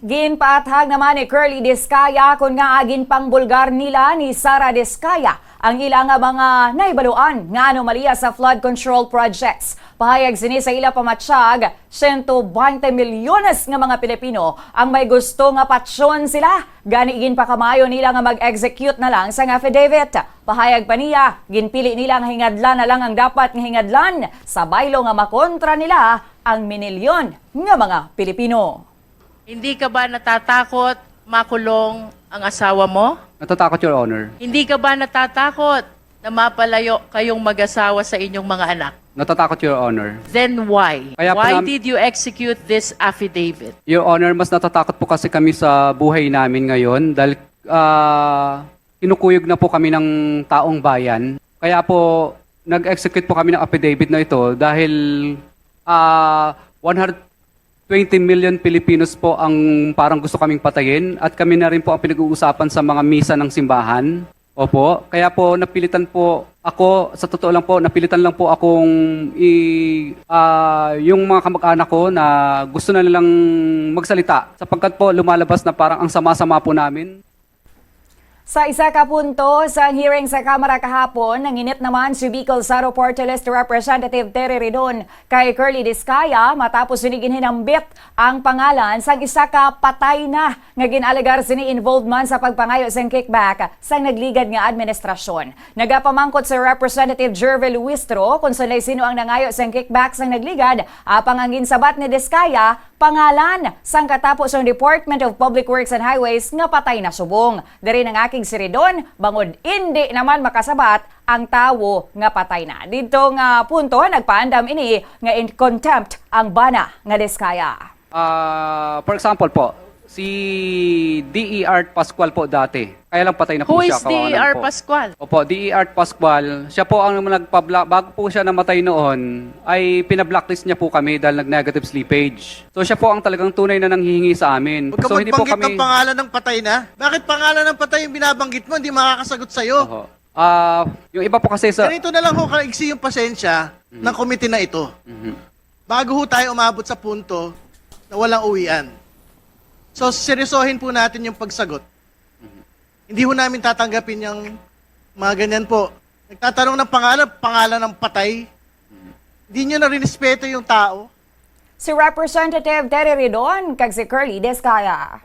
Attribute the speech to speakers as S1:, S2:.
S1: Ginpaathag naman ni Curly Diskaya kung nga agin pang bulgar nila ni Sara Diskaya ang ilang mga naibaluan nga anomalya sa flood control projects. Pahayag sini sa ila pamatsyag, 120 milyones nga mga Pilipino ang may gusto nga patsyon sila. Ganiigin pa kamayo nila nga mag-execute na lang sa affidavit. Pahayag pa niya, ginpili nila nga hingadlan na lang ang dapat nga hingadlan sa baylo nga makontra nila ang minilyon nga mga Pilipino.
S2: Hindi ka ba natatakot makulong ang asawa mo?
S3: Natatakot, Your Honor.
S2: Hindi ka ba natatakot na mapalayo kayong mag-asawa sa inyong mga anak?
S3: Natatakot, Your Honor.
S2: Then why?
S3: Kaya po
S2: Why
S3: nam-
S2: did you execute this affidavit?
S3: Your Honor, mas natatakot po kasi kami sa buhay namin ngayon dahil kinukuyog na po kami ng taong bayan. Kaya po, nag-execute po kami ng affidavit na ito dahil 120 million Filipinos po ang parang gusto kaming patayin at kami na rin po ang pinag-uusapan sa mga misa ng simbahan. Opo, kaya po napilitan po ako, sa totoo lang po, napilitan lang po akong yung mga kamag-anak ko na gusto na nilang magsalita sapagkat po lumalabas na parang ang sama-sama po namin.
S1: Sa isa ka punto sa hearing sa Kamara kahapon, nanginit naman si Bicol Saro Porte Leste Representative Terry Ridon kay Curly Diskaya matapos siniginhinambit ang pangalan sang isa ka patay na nga ginalegar sini involvement sa pagpangayo sang kickback sang nagligad nga administrasyon. Nagapamangkot si Representative Jervel Luistro kung sino ang nangayo sang kickback sang nagligad apang ang ginsabat ni Diskaya pangalan sang katapos ng Department of Public Works and Highways nga patay na subong. Dari ng aking si Ridon, bangod hindi naman makasabat ang tawo nga patay na. Dito nga punto, nagpaandam ini nga in contempt ang bana nga Diskaya.
S3: For example po, si D.E.R. Pascual po dati. Kaya lang patay na po
S2: Who
S3: siya.
S2: is D.E.R.
S3: kawalan po.
S2: Pascual?
S3: Opo, D.E.R. Pascual. Siya po ang bago po siya namatay noon, ay pinablacklist niya po kami dahil nag-negative slippage. So siya po ang talagang tunay na nanghihingi sa amin.
S4: Huwag ka
S3: So hindi po
S4: magbanggit
S3: kami...
S4: ng pangalan ng patay na. Bakit pangalan ng patay yung binabanggit mo? Hindi makakasagot sa'yo.
S3: Oho. Yung iba po kasi sa...
S4: Ganito na lang ho, kaigsi yung pasensya ng komite na ito. Bago ho tayo umabot sa punto na walang uwian. So, seryosohin po natin yung pagsagot. Hindi ho namin tatanggapin yung mga ganyan po. Nagtatanong ng pangalan ng patay. Hindi nyo na rinespeto yung tao.
S1: Si Representative Terry Ridon kag si Curly Diskaya.